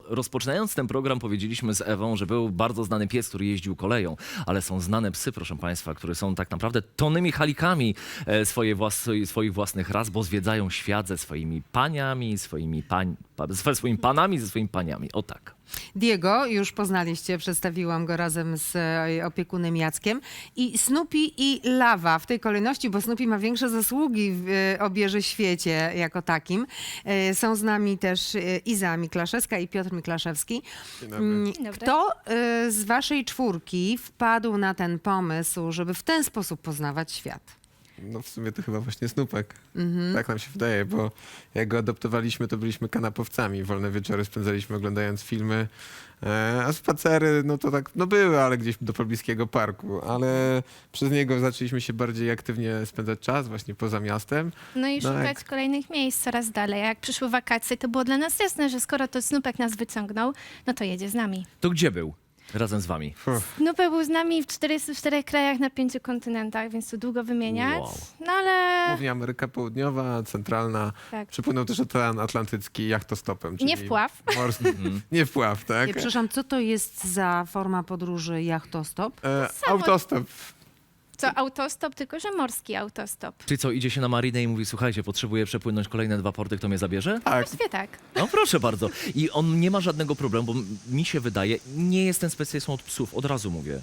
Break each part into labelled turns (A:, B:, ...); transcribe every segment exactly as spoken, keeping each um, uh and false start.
A: rozpoczynając ten program powiedzieliśmy z Ewą, że był bardzo znany pies, który jeździł koleją, ale są znane psy, proszę państwa, które są tak naprawdę tonnymi chalikami e, swoje włas swoich własnych ras, bo zwiedzają świat ze swoimi paniami, swoimi pań pa ze swoimi panami, ze swoimi paniami. O tak.
B: Diego, już poznaliście, przedstawiłam go razem z e, opiekunem Jackiem. I Snoopy i Lawa w tej kolejności, bo Snoopy ma większe zasługi w e, obieży świecie jako takim. E, są z nami też e, Iza Miklaszewska i Piotr Miklaszewski.
C: Dzień dobry.
B: Mm,
D: Dzień dobry.
B: Kto e, z waszej czwórki wpadł na ten pomysł, żeby w ten sposób poznawać świat?
C: No w sumie to chyba właśnie Snupek. Tak nam się wydaje, bo jak go adoptowaliśmy, to byliśmy kanapowcami. Wolne wieczory spędzaliśmy oglądając filmy, e, a spacery, no to tak, no były, ale gdzieś do pobliskiego parku. Ale przez niego zaczęliśmy się bardziej aktywnie spędzać czas właśnie poza miastem.
D: No i
C: No
D: szukać
C: jak-
D: kolejnych miejsc coraz dalej. A jak przyszły wakacje, to było dla nas jasne, że skoro to Snupek nas wyciągnął, no to jedzie z nami.
A: To gdzie był? Razem z wami.
C: Uff,
D: Snupek był z nami w czterdziestu czterech krajach na pięciu kontynentach, więc tu długo wymieniać.
A: Wow.
D: No ale
C: głównie Ameryka Południowa, Centralna.
D: tak.
C: Przypłynął też Ocean Atlantycki jachtostopem.
D: Nie
C: czyli
D: wpław.
C: Morski. Nie wpław, tak?
B: Nie, przepraszam, co to jest za forma podróży jachtostop?
C: E,
D: samo-
C: autostop.
D: Co autostop, tylko że morski autostop.
A: Czyli co, idzie się na marinę i mówi, słuchajcie, potrzebuję przepłynąć kolejne dwa porty, kto mnie zabierze?
C: Tak.
D: Właściwie tak.
A: No proszę bardzo. I on nie ma żadnego problemu, bo mi się wydaje, nie jestem specjalistą od psów, od razu mówię.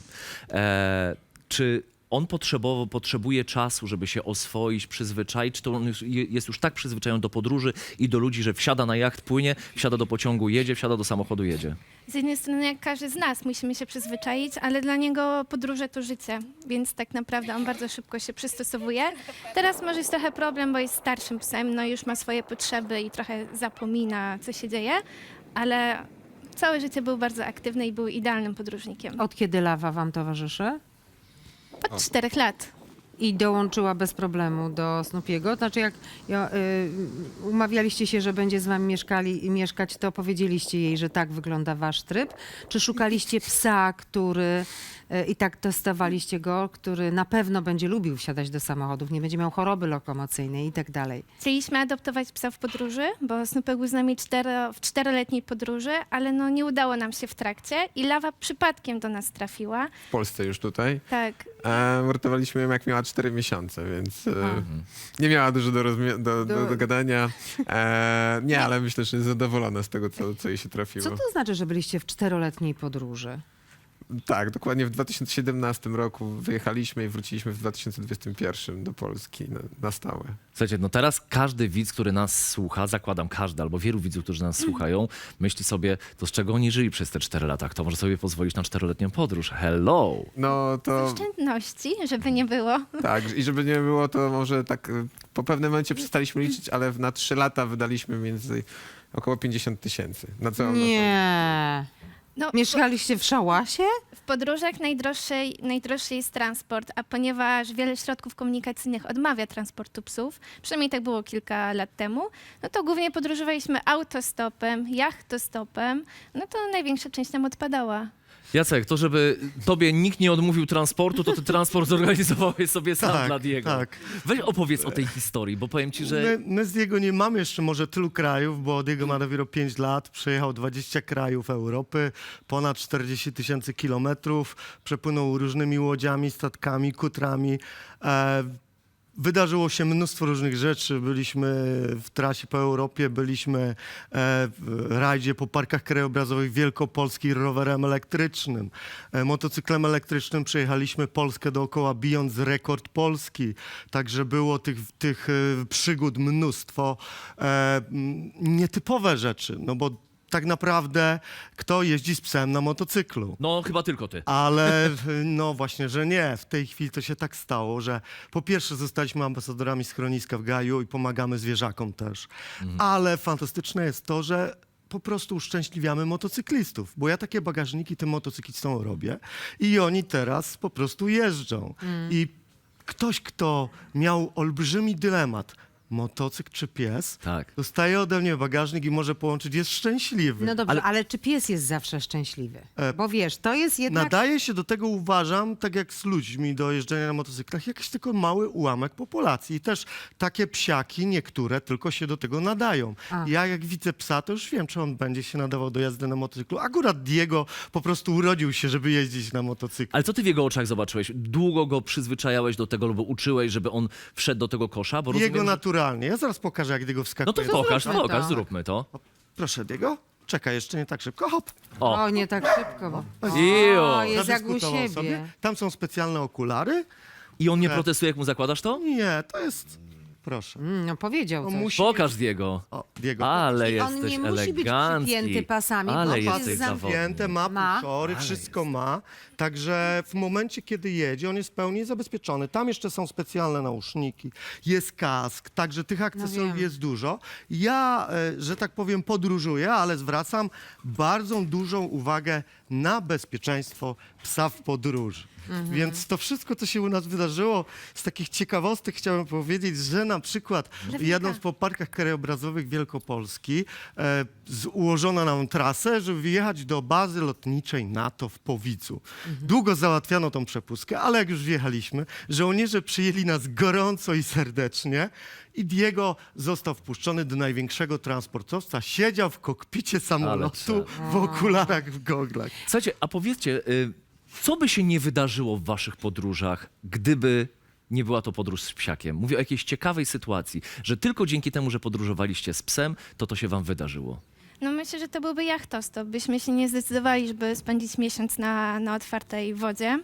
A: E, czy on potrzebowo, potrzebuje czasu, żeby się oswoić, przyzwyczaić, czy to on już, je- jest już tak przyzwyczajony do podróży i do ludzi, że wsiada na jacht, płynie, wsiada do pociągu, jedzie, wsiada do samochodu, jedzie?
D: Z jednej strony, jak każdy z nas, musimy się przyzwyczaić, ale dla niego podróże to życie, więc tak naprawdę on bardzo szybko się przystosowuje. Teraz może jest trochę problem, bo jest starszym psem, no już ma swoje potrzeby i trochę zapomina, co się dzieje, ale całe życie był bardzo aktywny i był idealnym podróżnikiem.
B: Od kiedy Lawa wam towarzyszy?
D: Od czterech lat.
B: I dołączyła bez problemu do Snoopiego. Znaczy jak ja, y, umawialiście się, że będzie z wami mieszkali, mieszkać, to powiedzieliście jej, że tak wygląda wasz tryb? Czy szukaliście psa, który y, i tak testowaliście go, który na pewno będzie lubił wsiadać do samochodów, nie będzie miał choroby lokomocyjnej i tak dalej?
D: Chcieliśmy adoptować psa w podróży, bo Snupek był z nami cztero, w czteroletniej podróży, ale no nie udało nam się w trakcie i Lawa przypadkiem do nas trafiła.
C: W Polsce już tutaj.
D: Tak,
C: E, uratowaliśmy ją jak miała cztery miesiące, więc e,
B: Aha.
C: nie miała dużo do, rozmi- do, do,
B: Do-
C: do gadania. E, nie, ale myślę, że jest zadowolona z tego, co, co jej się trafiło.
B: Co to znaczy, że byliście w czteroletniej podróży?
C: Tak, dokładnie w dwa tysiące siedemnastym roku wyjechaliśmy i wróciliśmy w dwa tysiące dwudziestym pierwszym do Polski na, na stałe.
A: Słuchajcie, no teraz każdy widz, który nas słucha, zakładam każdy, albo wielu widzów, którzy nas słuchają, myśli sobie, to z czego oni żyli przez te cztery lata? Kto może sobie pozwolić na czteroletnią podróż? Hello!
C: No
D: z
C: to
D: oszczędności, żeby nie było.
C: tak, i żeby nie było, to może tak e, po pewnym momencie przestaliśmy liczyć, ale na trzy lata wydaliśmy między około pięćdziesiąt tysięcy na całą naszą...
B: Nie.
D: No,
B: Mieszkaliście w szałasie?
D: w podróżach najdroższy, najdroższy jest transport, a ponieważ wiele środków komunikacyjnych odmawia transportu psów, przynajmniej tak było kilka lat temu, no to głównie podróżowaliśmy autostopem, jachtostopem, no to największa część nam odpadała.
A: Jacek, to żeby tobie nikt nie odmówił transportu, to ty transport zorganizowałeś sobie sam
E: Tak,
A: dla Diego.
E: tak.
A: Weź opowiedz o tej historii, bo powiem ci, że...
E: My, my z Diego nie mamy jeszcze może tylu krajów, bo Diego ma dopiero pięć lat, przejechał dwadzieścia krajów Europy, ponad czterdzieści tysięcy kilometrów, przepłynął różnymi łodziami, statkami, kutrami. E, Wydarzyło się mnóstwo różnych rzeczy. Byliśmy w trasie po Europie, byliśmy e, w rajdzie po parkach krajobrazowych Wielkopolski rowerem elektrycznym. E, motocyklem elektrycznym przejechaliśmy Polskę dookoła, bijąc rekord Polski. Także było tych, tych e, przygód mnóstwo. E, m, nietypowe rzeczy, no bo tak naprawdę kto jeździ z psem na motocyklu?
A: No chyba tylko ty.
E: Ale no właśnie, że nie. W tej chwili to się tak stało, że po pierwsze zostaliśmy ambasadorami schroniska w Gaju i pomagamy zwierzakom też. Ale fantastyczne jest to, że po prostu uszczęśliwiamy motocyklistów, bo ja takie bagażniki tym motocyklistom robię i oni teraz po prostu jeżdżą. I ktoś, kto miał olbrzymi dylemat, motocykl czy pies,
A: Tak.
E: dostaje ode mnie bagażnik i może połączyć, jest szczęśliwy.
B: No dobrze,
A: Ale-
B: ale... czy pies jest zawsze szczęśliwy?
E: E,
B: Bo wiesz, to jest jednak...
E: Nadaje się do tego, uważam, tak jak z ludźmi do jeżdżenia na motocyklach, jakiś tylko mały ułamek populacji. I też takie psiaki, niektóre, tylko się do tego nadają.
B: A.
E: Ja jak widzę psa, to już wiem, czy on będzie się nadawał do jazdy na motocyklu. Akurat Diego po prostu urodził się, żeby jeździć na motocyklu.
A: Ale co ty w jego oczach zobaczyłeś? Długo go przyzwyczajałeś do tego, albo uczyłeś, żeby on wszedł do tego kosza? Bo
E: Diego
A: rozumiem, że...
E: naturalnie. Ja zaraz pokażę, jak Diego
A: No
E: wskakuje.
A: to pokaż,
B: zróbmy
A: pokaż,
B: to.
A: zróbmy to.
E: Proszę, Diego. Czekaj, jeszcze nie tak szybko. Hop.
A: O,
B: O, nie tak szybko. Bo...
A: Iu.
B: O, jest jak u
E: Zadyskutował
B: siebie.
E: sobie. Tam są specjalne okulary.
A: I on nie
E: Tak.
A: protestuje, jak mu zakładasz to?
E: Nie, to jest... Proszę.
B: Mm, no powiedział
E: On
B: coś.
E: musi...
A: Pokaż Diego.
E: O, Diego.
A: Ale
B: I on
A: jesteś
B: nie musi być
A: elegancki.
B: przypięty pasami, bo
A: Ale
B: on jest
A: jesteś
B: zamknięty.
A: zawodny.
E: Zamknięte, ma
B: Ma.
E: puszory,
A: Ale
E: wszystko ma. Także w momencie, kiedy jedzie, on jest w pełni zabezpieczony. Tam jeszcze są specjalne nauszniki, jest kask, także tych akcesoriów
B: wiem.
E: jest dużo. Ja, e, że tak powiem, podróżuję, ale zwracam bardzo dużą uwagę na bezpieczeństwo psa w podróży.
B: Mhm.
E: Więc to wszystko, co się u nas wydarzyło, z takich ciekawostek chciałem powiedzieć, że na przykład jadąc po parkach krajobrazowych Wielkopolski, e, z, ułożono nam trasę, żeby wyjechać do bazy lotniczej NATO w Powicu. Długo załatwiano tą przepustkę, ale jak już wjechaliśmy, żołnierze przyjęli nas gorąco i serdecznie i Diego został wpuszczony do największego transportowca, siedział w kokpicie samolotu w okularach, w goglach.
A: Słuchajcie, a powiedzcie, y, co by się nie wydarzyło w waszych podróżach, gdyby nie była to podróż z psiakiem? Mówię o jakiejś ciekawej sytuacji, że tylko dzięki temu, że podróżowaliście z psem, to to się wam wydarzyło.
D: No myślę, że to byłby jachtostop. Byśmy się nie zdecydowali, żeby spędzić miesiąc na, na otwartej wodzie.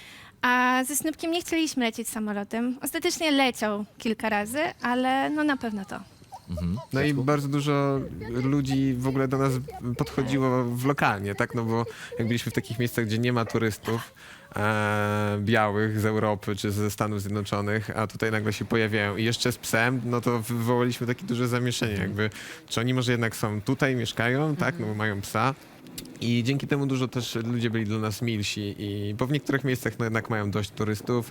D: A ze Snupkiem nie chcieliśmy lecieć samolotem. Ostatecznie leciał kilka razy, ale no na pewno to.
C: No i bardzo dużo ludzi w ogóle do nas podchodziło w lokalnie, tak? No bo jak byliśmy w takich miejscach, gdzie nie ma turystów e, białych z Europy czy ze Stanów Zjednoczonych, a tutaj nagle się pojawiają i jeszcze z psem, no to wywołaliśmy takie duże zamieszanie jakby. Czy oni może jednak są tutaj, mieszkają, tak? No bo mają psa. I dzięki temu dużo też ludzie byli dla nas milsi, i, bo w niektórych miejscach no jednak mają dość turystów,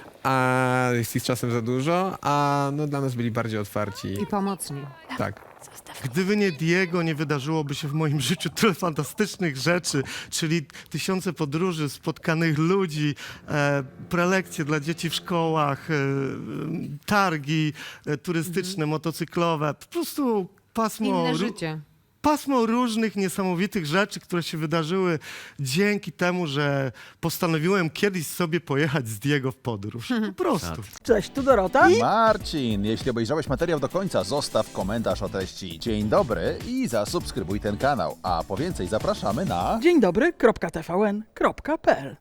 C: a jest ich czasem za dużo, a no dla nas byli bardziej otwarci.
B: I pomocni.
C: Tak.
E: Gdyby nie Diego, nie wydarzyłoby się w moim życiu tyle fantastycznych rzeczy, czyli tysiące podróży, spotkanych ludzi, e, prelekcje dla dzieci w szkołach, e, targi e, turystyczne, motocyklowe, po prostu pasmo,
B: Inne
E: ró-
B: życie.
E: pasmo różnych niesamowitych rzeczy, które się wydarzyły dzięki temu, że postanowiłem kiedyś sobie pojechać z Diego w podróż. Po prostu.
F: Cześć, tu Dorota.
G: Marcin, jeśli obejrzałeś materiał do końca, zostaw komentarz o treści dzień dobry i zasubskrybuj ten kanał. A po więcej zapraszamy na...
F: Dzień dobry, kropka t v n kropka p l.